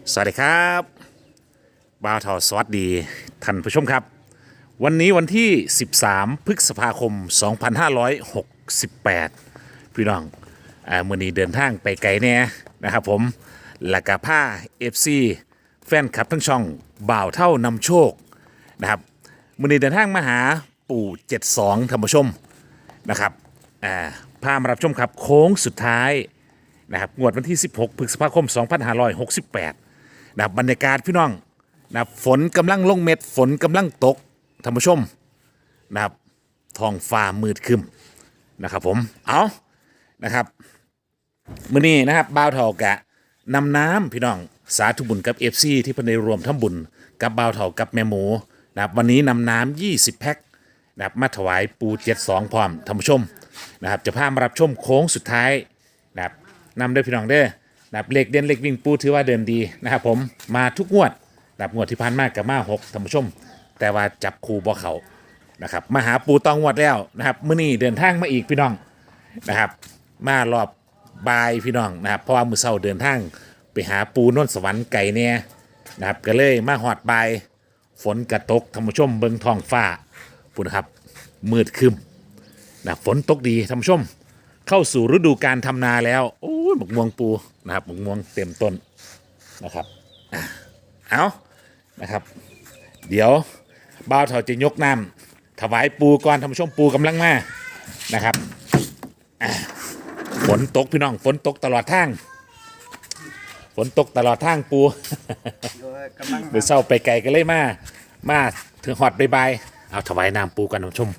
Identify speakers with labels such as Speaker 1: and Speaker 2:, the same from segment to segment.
Speaker 1: สวัสดีครับบ่าวทอสวัสดีท่านผู้ชมครับวันนี้วันที่ 13 พฤษภาคม 2568 พี่น้องมื้อนี้เดินทางไปไกลแน่นะครับผมและกะผ้า FC แฟนคลับทั้งช่องบ่าวเท่านำโชคนะครับมื้อนี้เดินทางมาหาปู่72ท่านผู้ชมนะครับพามารับชมครับโค้งสุดท้ายนะครับงวดวันที่ 16 พฤษภาคม 2568นะครับบรรยากาศพี่น้องนะครับฝนกำลังลงเม็ดฝนกำลังตกท่านผู้ชมนะครับท้องฟ้ามืดครึ้มนะครับผมเอานะครับมื้อนี้นะครับบ่าวเฒ่ากะนำน้ำพี่น้องสาธุบุญกับ FC ที่เพิ่นได้รวมทำบุญกับบ่าวเฒ่ากับแม่หมูนะครับวันนี้นำน้ำ20แพ็คนะครับมาถวายปู72พร้อมท่านผู้ชมนะครับจะพามารับชมโค้งสุดท้ายนะครับนำด้วยพี่น้องเด้อนะครับเลขเด่นเลขวิ่งปูถือว่าเดินดีนะครับผมมาทุกงวดนะครับงวดที่ผ่านมากับมา6ท่านผู้ชมแต่ว่าจับคู่บ่เขานะครับมาหาปูตองงวดแล้วนะครับมื้อนี้เดินทางมาอีกพี่น้องนะครับมารอบบ่ายพี่น้องนะครับเพราะว่ามื้อเช้าเดินทางไปหาปูนนสวรรค์ไก่เนี่ยนะครับก็เลยมาหอดบ่ายฝนกระตกท่านผู้ชมเบิ่งท้องฟ้าปุ่นครับมืดครึ้มนะฝนตกดีท่านผู้ชมเข้าสู่ฤดูการทำนาแล้วโอ้ยหมกม่วงปูนะครับหมกม่วงเต็มต้นนะครับเอานะครับเดี๋ยวบ่าวเฒ่าจะยกน้ำถวายปูก่อนท่านผู้ชมปูกำลังมานะครับฝนตกพี่น้องฝนตกตลอดทางฝนตกตลอดทางปูเดี๋ยวเศร้าไปไกลกันเลยมาถึงหอดบายเอาถวายน้ำปูกันท่านผู้ชม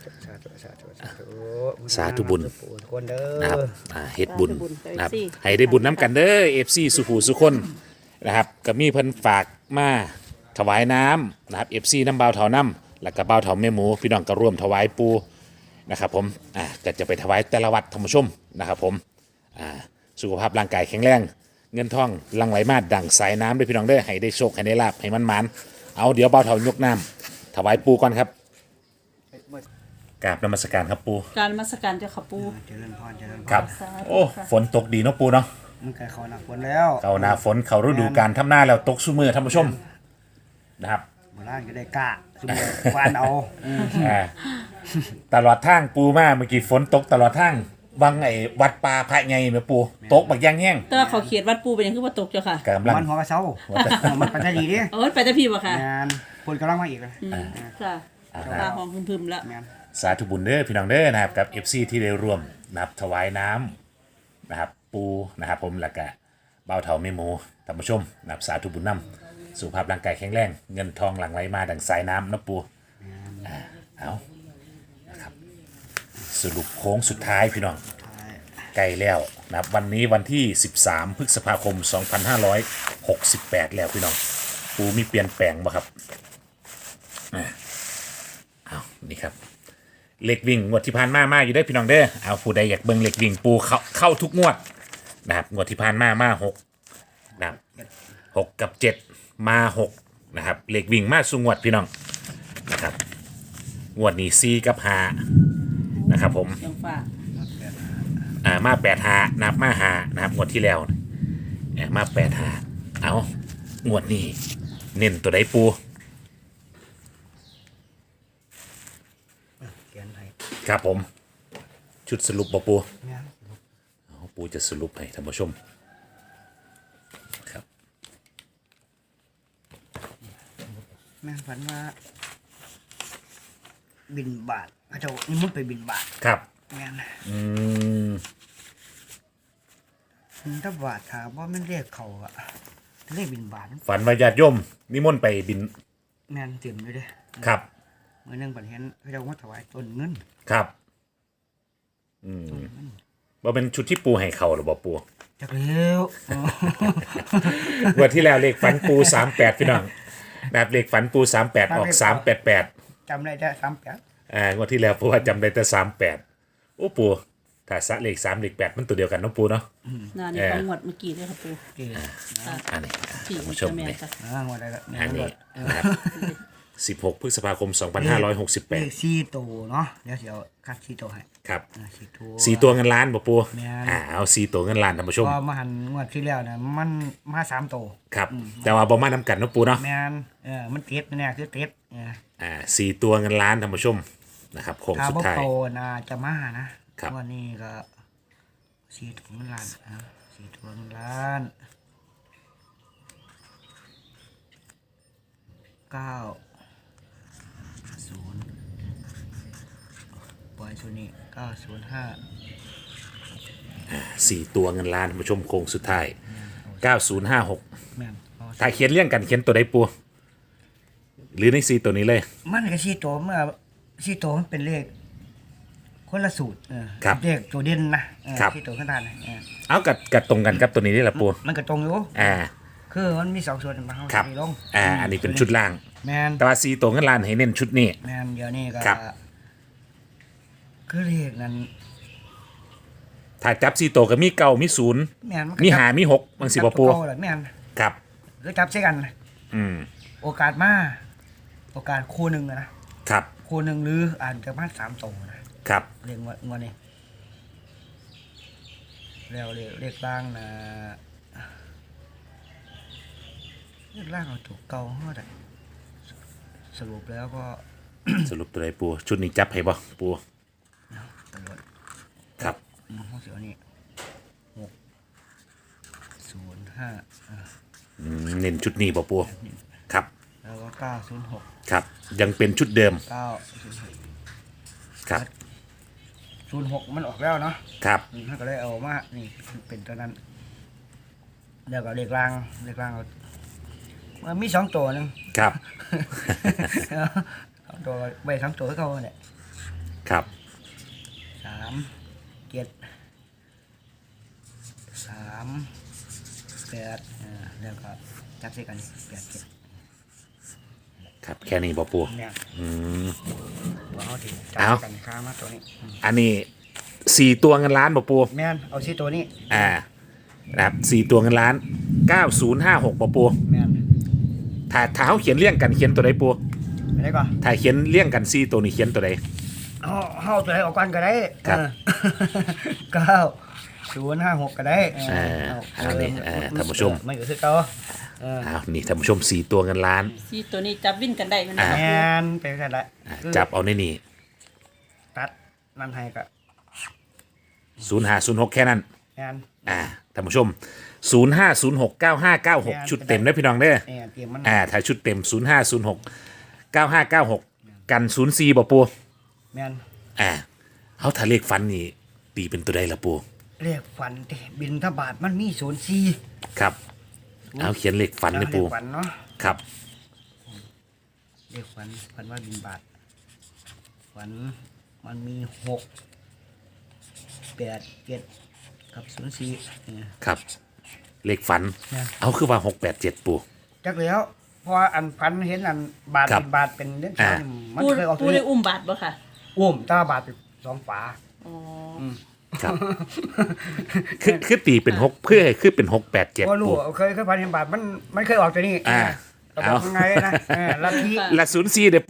Speaker 1: สาธุบุญนะครับเฮ็ดบุญนะครับให้ได้บุญน้ำกันเด้อ FC สุขูสุคนนะครับก็มีเพิ่นฝากมาถวายน้ำนะครับ FC น้ำบ่าวเฒ่าน้ำแล้วก็บ่าวเฒ่าแม่หมูพี่น้องก็ร่วมถวายปูนะครับผมก็จะไปถวายแต่ละวัดท่านผู้ชมนะครับผมสุขภาพร่างกายแข็งแรงเงินทองหลั่งไหลมาดั่งสายน้ำด้วยพี่น้องเด้อให้ได้โชคให้ได้ลาภให้มันๆเอาเดี๋ยวบ่าวเฒ่ายกน้ำถวายปูก่อนครับกราบนมัสการครับปู
Speaker 2: การนมัสการเจ้าค่ะปู
Speaker 3: เจริญพรเจริญพร
Speaker 1: ครับโอ้ฝนตกดีเนาะปูเนาะ
Speaker 3: มันเคยเขาหนักฝนแล้ว
Speaker 1: เขาหน้าฝนเขาฤดูการทำหน้าแล้วตกซุมือท่านผู้ชมนะครับ
Speaker 3: โบราณก็ได้กล้าสมมติฟานเอา
Speaker 1: ตลอดทางปูมาเมื่อกี้ฝนตกตลอดทางบางไอ้วัดป่าพระไงแม่ปูตกบักย่างแห้ง
Speaker 2: แต่ว่าเขาเขียนวัดปูเป็นยังคือว่าตกเจ้าค่ะ
Speaker 1: กำลัง
Speaker 3: มันหัวกระเซ้ามันปัจจัยดีดิ
Speaker 2: ไปแต่พี่บ่ค่ะ
Speaker 3: งานคนกำลังมาอีกเลย
Speaker 2: ค่ะตาหอมพึมๆแล้ว
Speaker 1: สาธุบุญเด้อพี่น้องเด้อนะครับกับ FC ที่ได้ร่วมนะครับถวายน้ำนะครับปูนะครับผมแล้วก็บ่าวเฒ่าแม่หมูท่านผู้ชมนะครับสาธุบุญนำสุขภาพร่างกายแข็งแรงเงินทองหลั่งไหลมาดังสายน้ำนะปูเอานะครับสรุปโค้งสุดท้ายพี่น้องใกล้แล้วนะครับวันนี้วันที่ 13 พฤษภาคม 2568 แล้วพี่น้องปูมีเปลี่ยนแปลงบ่ครับเอานี่ครับเหล็กวิ่งงวดที่ผ่านมาอยู่ได้พี่น้องเด้อเอาผู้ใดอยากเบิ่งเหล็กวิ่งปูเข้าทุกงวดนะครับงวดที่ผ่านมา6นะครับ6กับ7มา6นะครับเหล็กวิ่งมาสู่งวดพี่น้องนะครับงวดนี้4กับ5นะครับผมมา8-5นับมา5นะครับงวดที่แล้วมา8-5เอางวดนี้เน้นตัวใดปูครับผมชุดสรุปบ่ปูปูจะสรุปให้ท่านผู้ชมครับ
Speaker 3: แม่ฝันว่าบินบาทพระเจ้านี่มุดไปบินบาท
Speaker 1: ครับ
Speaker 3: แม่ถ้าบาทถามว่าไม่เรียกเขาอะเรียกบินบาท
Speaker 1: ฝันว่าญาติโยมนิมนต์ไปบิน
Speaker 3: แม่เต็มเลยเด้
Speaker 1: ครับ
Speaker 3: เมื่อนึงปัญหาพระเจ้ามาถวายต้นเงิน
Speaker 1: ครับว่าเป็นชุดที่ปูให้เขาหรือเปล่าปู
Speaker 3: จักเลี้ยว
Speaker 1: วันที่แล้วเลขฝันปู38พี่น้องนะครับเลขฝันปู38ออก388
Speaker 3: จำได้แต่38
Speaker 1: วันที่แล้วปูว่าจำได้แต่38โอ้ปูถ้าสะเลข3เลข8มันตัวเดียวกันน้องปูเนาะ
Speaker 2: นี่ของงวดเมื่อกี้เลยค่ะปู
Speaker 1: อันนี้ผู้ชมนี่อันนี้16 พฤษภาคม 2568
Speaker 3: เลข4ตัวเนาะเดี๋ยวคัด4ตัวให้
Speaker 1: ครับ
Speaker 3: สี่ตัว
Speaker 1: 4 ตัวเงินล้านบ่ปู
Speaker 3: แม่น
Speaker 1: เอา4 ตัวเงินล้านท่านผู้ชม
Speaker 3: พอมาหันงวดที่แล้วนะมันมา3ตัว
Speaker 1: ครับแต่ว่าบ่มานํกันเนาะปูเนาะ
Speaker 3: แม่นมันติดเนี่ยคือติด
Speaker 1: 4 ตัวเงินล้านท่านผู้ชมนะครับโค้ง
Speaker 3: ถ้า
Speaker 1: สุด
Speaker 3: บ่
Speaker 1: ท้าย
Speaker 3: โตนะจะมานะครับ วันนี้ก็สี่ตัวเงินล้านสี่ตัวเงินล้าน90ปล่อยชุดนี้905
Speaker 1: 4 ตัวเงินล้านท่านผู้ชมโค้งสุดท้าย9056
Speaker 3: แม่นเอา
Speaker 1: ถ้าเขียนเรียงกันเขียนตัวใดปูหรือใน4ตัวนี้เลย
Speaker 3: มันก็สี่ตัวเมื่อสี่ตัวมันเป็นเลขคนละสูตร
Speaker 1: ครับ
Speaker 3: เลขตัวเด่นนะครับ สี่ตัวขนาด
Speaker 1: เอากัดตรงกันกับตัวนี้นี่แหละปู
Speaker 3: มันก็ตรงอยู่
Speaker 1: อ่า
Speaker 3: คือมันมี2ส่วนมาเฮา
Speaker 1: ครับ
Speaker 3: สิลง
Speaker 1: อันนี้เป็นชุดล่าง
Speaker 3: แม่น
Speaker 1: แต่ว่า4 ตัวเงินล้านให้เน้นชุดนี้
Speaker 3: แม่นเดี๋ยวนี้ก็
Speaker 1: ครับ
Speaker 3: คือเลขนั้น
Speaker 1: ถ้าจับ4 ตัวก็มีเก้ามีศูนย์
Speaker 3: แม่นนก็
Speaker 1: มี
Speaker 3: จั
Speaker 1: หามี6บางสิบ่ปู
Speaker 3: จัตัวเก่าแหละแม่น
Speaker 1: ครับ
Speaker 3: คือจับใส่กัน
Speaker 1: อืม
Speaker 3: โอกาสมาโอกาสคู่หนึงนะครับ คู่หนึงหรืออาจจะมา3ตัวนะครับ เรียกงวดนี้แล้วเลขล่างนะเลขล่างเอาถูกเก่าเฮาได้สรุปแล้วก็
Speaker 1: สรุปตัวใดปูชุดนี้จับให้บ่ปู
Speaker 3: ตำรวจ
Speaker 1: ครับ
Speaker 3: ห้องเสียนี่605
Speaker 1: เน้นชุดนี้บ่ปูครับ
Speaker 3: แล้วก็906
Speaker 1: ครับ ยังเป็นชุดเดิม
Speaker 3: 906
Speaker 1: ครับ
Speaker 3: 06มันออกแล้วเนาะ
Speaker 1: ครับ
Speaker 3: ถ้าก็ได้เอามานี่เป็นตัวนั้นแล้วก็เลขล่างเอามันมี2ตัวนึง
Speaker 1: ครับ
Speaker 3: 2ตัวใบ2ตัวให้เขาเนี่ย
Speaker 1: ครับ
Speaker 3: 3 7 3 8แล้วก็จับใส่กัน8 7
Speaker 1: ครับแค่นี้บ่ปู
Speaker 3: เนี่ย
Speaker 1: อืม
Speaker 3: ตัวเอาถึงจั
Speaker 1: เอา
Speaker 3: บกันค้ามาตัวนี้
Speaker 1: อันนี้4 ตัวเงินล้านบ่ปู
Speaker 3: แม่นเอาที่ตัวนี้
Speaker 1: นะครับ4 ตัวเงินล้าน9056บ่ปู
Speaker 3: แม่น
Speaker 1: ถ้าเขาเขียนเรียงกันเขียนตัวใดปู
Speaker 3: ไปได้ก่อน
Speaker 1: ถ้าเขียนเรียงกัน4 ตัวนี้เขียนตัวใด
Speaker 3: เอาตัวไหนออกกันก็ได้
Speaker 1: ครับ
Speaker 3: 9056ก็ได้
Speaker 1: เอานี่ท่านผู้ชม
Speaker 3: ไม่ก็คือเก่า
Speaker 1: นี่ท่านผู้ชม4 ตัวเงินล้าน
Speaker 2: สี่ตัวนี้จับวิ่นกันได้ไหมนะ
Speaker 3: แม
Speaker 2: คะปู
Speaker 3: นเป็นกันได้
Speaker 1: จับเอาในนี่
Speaker 3: ตัดนั่นให้ก็
Speaker 1: 0506แค่นั้น
Speaker 3: แมน
Speaker 1: ท่านผู้ชม05069596ชุดเต็มนะพี่น้องเด้อ
Speaker 3: เนี่ยเตรียมมัน
Speaker 1: ถ้าชุดเต็ม05069596กัน04บ่ปู
Speaker 3: แมน
Speaker 1: เขาถ้าเลขฟันนี่ตีเป็นตัวใดล่ะปู
Speaker 3: เรียกฝันเตบินทบาทมันมี04
Speaker 1: ครับเอาเขียนเลขฟันนี่ปู
Speaker 3: เรียกฝันเนาะ
Speaker 1: ครับ
Speaker 3: เรียกฝันว่าบินบาทฝันมันมี6 8 7กับ04เนี่ย
Speaker 1: ครับเลขฟัน
Speaker 3: นะ
Speaker 1: เอาคือว่า687ปู
Speaker 3: จักแล้วเพราะว่าอันฝันเห็นอันบาท
Speaker 1: ครับ
Speaker 3: เป็นบาทเป็นเล่นช้อนมัน
Speaker 2: ปู
Speaker 3: เคยออก
Speaker 2: ปู
Speaker 3: ตัว
Speaker 2: ได้
Speaker 3: นี้
Speaker 2: อุ้มบาทบ่ค่ะ
Speaker 3: ตาบาทเป็น2ฝา
Speaker 2: อ๋อ
Speaker 1: ครับ คือตีเป็น6เพื่อให้คือเป็น687
Speaker 3: ก็รู้
Speaker 1: ปู
Speaker 3: เคยฝันเห็นบาทมันเคยออกตัวนี้ ก็บอกยังไงนะลัทธิ
Speaker 1: ละ04เด้อปู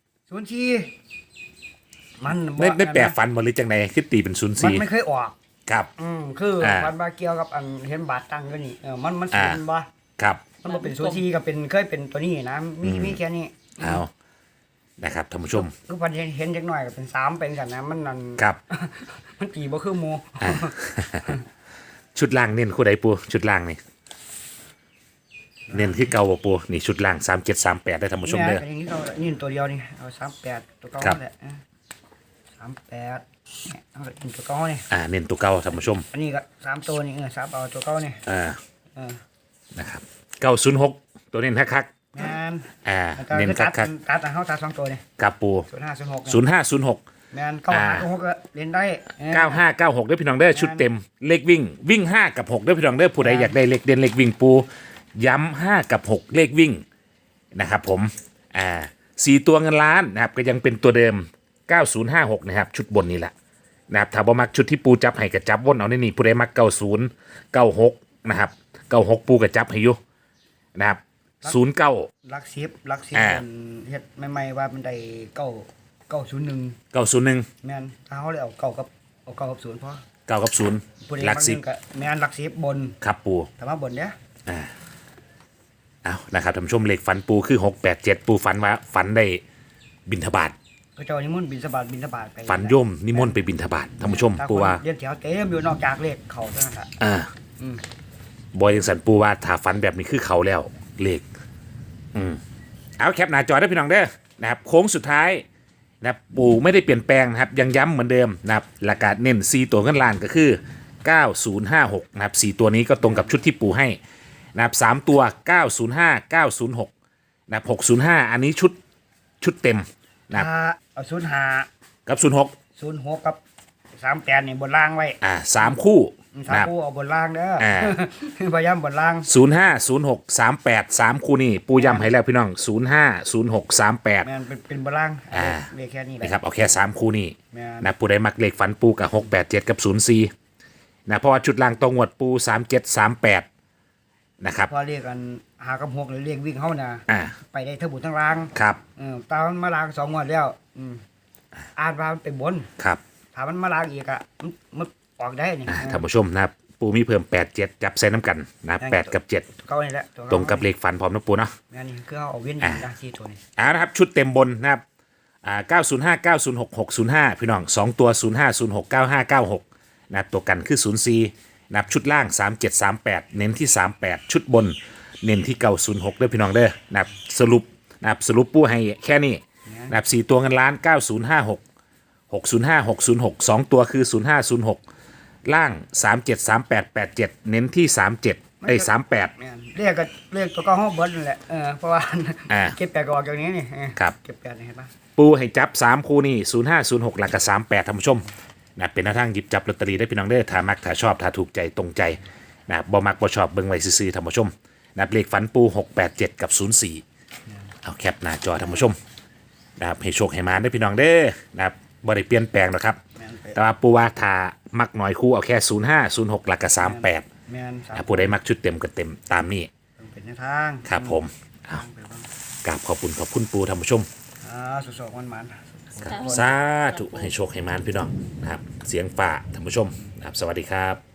Speaker 3: 04มัน
Speaker 1: ได้แปลฟันบ่หรือจังไดคือตีเป็น
Speaker 3: มันไม่
Speaker 1: 04
Speaker 3: เคยออก
Speaker 1: ครับ
Speaker 3: คือมันมาเกี่ยวกับอันเห็นบาทตั้งก็นี่มันศูนย์บ่
Speaker 1: ครับ
Speaker 3: มันบ่เป็น04ก็เป็นเคยเป็นตัวนี้นะมีแค่นี้
Speaker 1: เอานะครับท่านผู้ชม
Speaker 3: คือพันเห็นจักหน่อยก็เป็น3เป็นกันนะมันนั่น
Speaker 1: ครับ
Speaker 3: มันตีบ่คือหมู่
Speaker 1: ชุดล่างเน้นคู่ใดปูชุดล่างนี่เน้นคือเก่าบ่ปูนี่ชุดล่าง3738ได้ท่านผู้ชมเด้อ
Speaker 3: นี่เรานี่ตัวเดียวนี่เอา38ตัวเก่า
Speaker 1: ครับ
Speaker 3: แหละ38เนี่ยเอาตัวเก่านี่
Speaker 1: เน้นตัวเก่าท่านผู้ชม
Speaker 3: อันนี้ก็3ตัวนี่3เอาตัวเก่านี่
Speaker 1: นะครับ906ตัวเน้นคัก
Speaker 3: แม่น
Speaker 1: ๆเน้นคัก
Speaker 3: ตัดเฮาตัด2ตัวนี่
Speaker 1: ๆกับปู
Speaker 3: 0506
Speaker 1: 0506
Speaker 3: แม่น956ก็เล่นได้
Speaker 1: 9596ด้วยพี่น้องเด้อชุดเต็มเลขวิ่ง5กับ6ด้วยพี่น้องเด้อผู้ใดอยากได้เลขเด่นเลขวิ่งปูย้ำ5กับ6เลขวิ่งนะครับผม4 ตัวเงินล้านนะครับก็ยังเป็นตัวเดิม9056นะครับชุดบนนี่แหละนะครับถ้าบ่มักชุดที่ปูจับให้ก็จับวนเอาในนี่ผู้ใดมัก90 96นะครับ96ปูก็จับให้อยู่นะครับ09
Speaker 3: ลัก10เป็นเฮ็ดใหม่ๆว่ามันได้9 901
Speaker 1: 901
Speaker 3: แม่นถ้าเขาเลยเอาเก้ากับศูนย์พอ
Speaker 1: 9กับ0
Speaker 3: ผู้ใด
Speaker 1: หลัก
Speaker 3: มั
Speaker 1: สิบ
Speaker 3: ก็แม่นหลัก10บน
Speaker 1: ครับปู
Speaker 3: แต่ว่าบนเนี้ย
Speaker 1: เอานะครับท่านผู้ชมเลขฝันปูคือ687ปูฝันว่าฝันได้บิณฑบาต
Speaker 3: ก็เจ้านิมนต์บิณฑบาตไป
Speaker 1: ฝันโยมนิมนต์ไปบิณฑบาตท่านผู้ชม
Speaker 3: ถ้
Speaker 1: ปูว่า
Speaker 3: คนเรียนแถวเต็มอยู่นอกจากเลขเขาเท่านั้นแหละ อืม
Speaker 1: บอยยังสันปูว่าถ้าฝันแบบนี้คือเขาแล้วเลขเอาแคปหน้าจอได้พี่น้องเด้อนะครับโค้งสุดท้ายนะครับปูไม่ได้เปลี่ยนแปลงนะครับยังย้ำเหมือนเดิมนะครับหลักการเน้น4ตัวเงินล้านก็คือ9056นะครับ4ตัวนี้ก็ตรงกับชุดที่ปูให้นะครับ3ตัว905 906นะครับ605อันนี้ชุดเต็มนะครับ
Speaker 3: ถ้าเอา05
Speaker 1: กับ06
Speaker 3: 06กับ38นี่บนล่างไว้
Speaker 1: 3คู่
Speaker 3: สาม
Speaker 1: นะครับ
Speaker 3: คู่เอาบนล่างเด้อ
Speaker 1: อ่า
Speaker 3: พยายามบนล่าง
Speaker 1: 05 06 38 3คู่นี่ปูย้ำให้แล้วพี่น้อง05 06 38
Speaker 3: แม่นเป็นบนล่าง เลขแค่นี้แหละ
Speaker 1: นะครับเอาแค่3คู่นี่
Speaker 3: แม่น
Speaker 1: นะปูได้มักเลขฝันปูกับ687กับ04นะเพราะว่าชุดล่างตรงหวดปู3738นะครับ
Speaker 3: พอเรียกกันหากับ6หรือเรียกวิ่งเฮานะ
Speaker 1: อ่า
Speaker 3: ไปได้ทั้งบุญทั้งล่าง
Speaker 1: ครับ
Speaker 3: ตามมันมาล้าง2งวดแล้วอ่านว่ามันเป็นบน
Speaker 1: ครับ
Speaker 3: ถ้ามันมาล้างอีกมันออกได้นี่
Speaker 1: ท่านผู้ชมนะครับปูมีเพิ่ม87จับใส่น้ำกันนะ8กับ7
Speaker 3: เขานี่แหละ
Speaker 1: ตรงกับเลขฝันพร้อมนะปูเนาะ
Speaker 3: แม่นี่คือเอาเว้น
Speaker 1: อ่า
Speaker 3: ยาซีตัวนี้
Speaker 1: นะครับชุดเต็มบนนะครับ905 906 605พี่น้อง2ตัว05 06 9596นะครับตัวกันคือ04นะครับชุดล่าง3738เน้นที่38ชุดบนเน้นที่906เด้อพี่น้องเด้อนะครับสรุปปูให้แค่นี้นะครับ4ตัวเงินล้าน9056 605 606 2ตัวคือ0506ล่าง373887เน้นที่37ไอ้38
Speaker 3: แม่นเรียกตัวเก็ห้องเบิร์ดนั่นแหละเพราะว่า เก็บแปดก็ออกอย่างนี้นี่
Speaker 1: ครับ
Speaker 3: เก็บแปดนี่เห็นปะ
Speaker 1: ปูให้จับ3คู่นี่0506หลักกับ38ท่านผู้ชมนะเป็นหน้าทางหยิบจับลอตเตอรี่ได้พี่น้องเด้อถ้ามักถ้าชอบถ้าถูกใจตรงใจนะบ่มักบ่ชอบเบิ่งไว้ซื่อๆท่านผู้ชมนะเลขฝันปู687กับ04เอาแคปหน้าจอท่านผู้ชมนะครับให้โชคให้มาได้พี่น้องเด้อนะครับบ่ได้เปลี่ยนแปลงหรอกครับ
Speaker 3: แม่นไป
Speaker 1: แต่ว่าปูว่าถ้ามักน้อยคู่เอาแค่05 06หลักกับ38
Speaker 3: แม่นสาม
Speaker 1: ถ้าผู้ใดมักชุดเต็มก็เต็มตามนี้
Speaker 3: เป็นแนวทาง
Speaker 1: ครับผมเอากราบขอบคุณปูท่านผู้ชม
Speaker 3: สุดๆมัน
Speaker 1: สาธุให้โชคให้มานพี่น้องนะครับเสียงฝ่าท่านผู้ชมนะครับสวัสดีครับ